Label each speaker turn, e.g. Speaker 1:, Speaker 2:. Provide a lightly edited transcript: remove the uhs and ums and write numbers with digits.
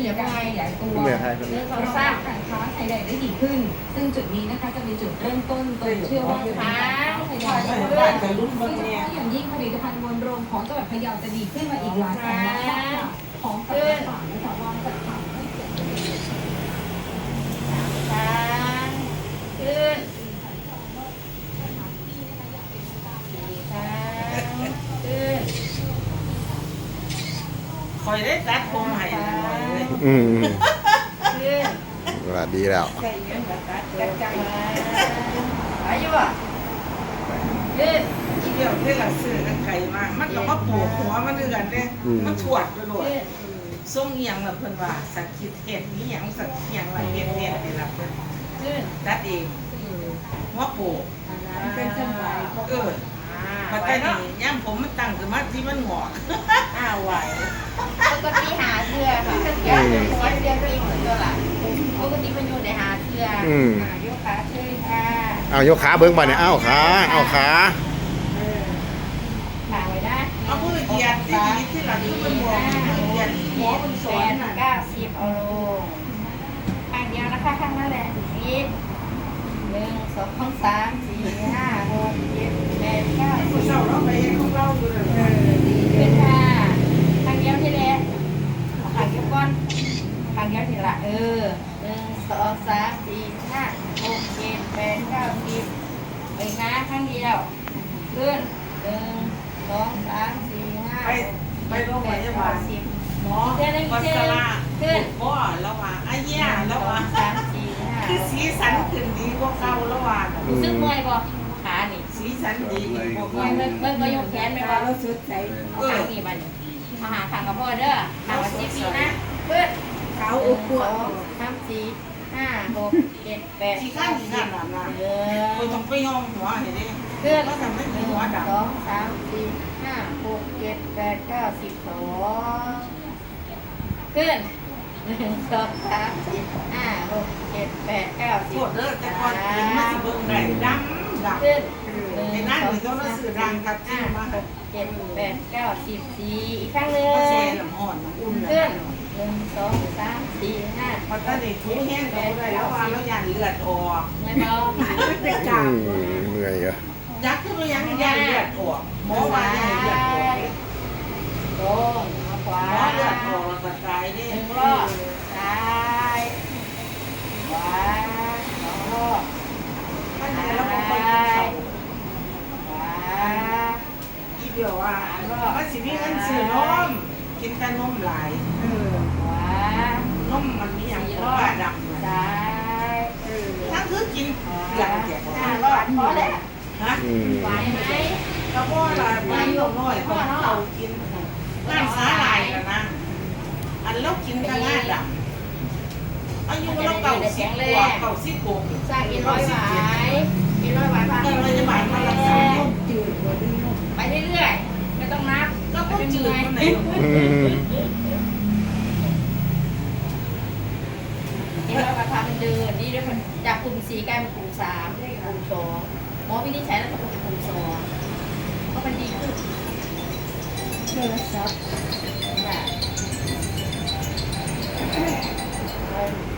Speaker 1: อย่าไปขยายตัว
Speaker 2: เมื่อไทย
Speaker 1: เรื่องของสร้างการค้าไทยแลนด์ได้ดีขึ้น ซึ่งจุดนี้นะคะจะเป็นจุดเริ่มต้นโดยเชื่อว่าการค้าไทยแลนด์จะได้ดีขึ้นอย่างยิ่งผลิตภัณฑ์มวลรวมของจังหวัดพะเยาจะดีขึ้นมาอีกหลายต่อหลายอย่างของต่างๆนะคะวางจัดทำให้เกิด
Speaker 3: ช้างขึ้นช้างขึ้น
Speaker 4: คอยได้ตัดผมใหม่เลย
Speaker 2: อืม
Speaker 3: ขึ้น
Speaker 2: ว่าดีแล้ว
Speaker 4: ใช่ยังแบบตัดใจ
Speaker 3: อายุอ่ะขึ้น
Speaker 4: เที่ยวที่หลังสื่อกันไก่มากมันก็มาปวดหัวมันเดือดเนี่ยมันถวดไปหมด
Speaker 3: ขึ้น
Speaker 4: ส่งเอียงแบบเพิ่นว่าสักคิดเห็ดนี่ยังสักเอียงว่าเห็ดนี่ล่ะเพิ่น
Speaker 3: ขึ้น
Speaker 4: ตัดเองหัวโปก
Speaker 3: เป็นจังหวะ
Speaker 4: ปัจจัยนี่ย่ำผมมันตั้งขึ้นมาที่มันหงอก
Speaker 3: ไหวปกติหาเสื้อค่ะเดี๋ยวหัวเสื้อปีกเหมือนตัวละปกติมันอยู่ในหาเสื้อยกขาขึ้นค่ะ
Speaker 2: เอายกขาเบิ้งบ่เนี่ยเอาขาเอาขา
Speaker 3: ขาไว้นะ
Speaker 4: เอาผู้เหยียดที่ดีที่หลังที่มันหงอกเหยียดหัวมันสอนน่ะ
Speaker 3: 90เอาลงข้างเดียวนะคะข้างนั้นแหละสิบ1 2 3 4 5 6 7 8 9
Speaker 4: ผู้เศร้าเราไปเห็นของเราอยู่เลย
Speaker 3: ขึ้นค่ะข้างเดียวที่แรกเอาข้างเดียวก่อนข้างเดียวทีละ1 2 3 4 5 6 7 8 9 10ไปนะข้างเดียวขึ้น1 2 3 4 5
Speaker 4: ไปโรงพยาบาล
Speaker 3: 10
Speaker 4: หมอวัสลาพ่อแล้วว่าอาเยี่ยแล้วว่า
Speaker 3: 3 4 5
Speaker 4: คือสีสันขึ้นดีกว่าเก่าแล้วว่า
Speaker 3: รู้สึกเมื่อยบ่ขานี่
Speaker 4: สีสันดีกว่า
Speaker 3: เมื่อย
Speaker 4: เก่า
Speaker 3: เมื่อยยกแขนไหมบ่รู้สึกใจเอาขานี่บัดมาหาทางกับพ่อเด้อทางวันที่4นะเพื่อน
Speaker 4: เขา
Speaker 3: 1
Speaker 4: อุปวด
Speaker 3: 2 3 4 5 6 7 8
Speaker 4: ที่ข้างที่นั่นน่ะนะคนต้องไปย่องหัวเห็นดิ
Speaker 3: เพื่อน
Speaker 4: ก็ทำให้
Speaker 3: 1
Speaker 4: หัวด
Speaker 3: 2 3 4 5 6 7 8 9 12ขึ้น1 2 3 4 5 6 7 8 9
Speaker 4: ำโทษเด้อแต่ก่อนเห็นมาสิเบิ่งได้ดำดำ
Speaker 3: ขึ้น
Speaker 4: ในนั้นหรือเขาสื่อดังกับที่มา
Speaker 3: 7 8 9 10 4อีกครั้งหนึ่ง
Speaker 4: เขาแช่น้ำอ่อนน้ำอุ่น
Speaker 3: ขึ้
Speaker 4: นะ
Speaker 3: น1 2 3 4 5
Speaker 4: พอตอนนี้ทูแห้งเขาได้แล้วว่าเรายันเลือดออก
Speaker 3: ไม่พอ
Speaker 4: เป็นกา
Speaker 2: เหนื่อยเหรอ
Speaker 4: ยักษ์ขึ้นมายังยันเลือดออกหมอว่ายันเลือดออก
Speaker 3: ลงมาขวา
Speaker 4: หมอเลือดออกแล้วก็ตายได้
Speaker 3: 1 รอบซ้ายขวา2 รอบ
Speaker 4: ท่านแล้วก็ค่อยกินเขา
Speaker 3: ขวา
Speaker 4: อีเดียวว่ามันสิมีเงินซื้อนมกินแต่นมหลาย
Speaker 3: ขวาน
Speaker 4: มมันมีอย่าง
Speaker 3: 4
Speaker 4: ข
Speaker 3: ร
Speaker 4: อ
Speaker 3: อง
Speaker 4: บ้า
Speaker 3: บ
Speaker 4: ดำ
Speaker 3: ซ้าย
Speaker 4: ทั้งคือกินหลังแก่
Speaker 3: 5 รอบพอแล้ว
Speaker 4: ฮะ
Speaker 3: ไหวไหม
Speaker 4: กระเพาะละมันลงน้อยของเรากินงานสาหร่ายนะนะอันเรากินแต่งานดำอายุเราเก่า10 กว่า
Speaker 3: สร้าง100 หวาย100 หวายพา
Speaker 4: เงินเราจะบาทมารักษาต้มจืด
Speaker 3: ไปเรื่อยๆไม่ต้องนับ
Speaker 4: ก็ต้มจืดคนไหน
Speaker 3: 100 หวายพามันเดินนี่ด้วยมันจากกลุ่ม4กลายเป็นกลุ่ม3กลุ่ม2หมอวินิจฉัยแล้วก็กลุ่ม2ก็มันดีขึ้นโทรศัพท์ค่ะ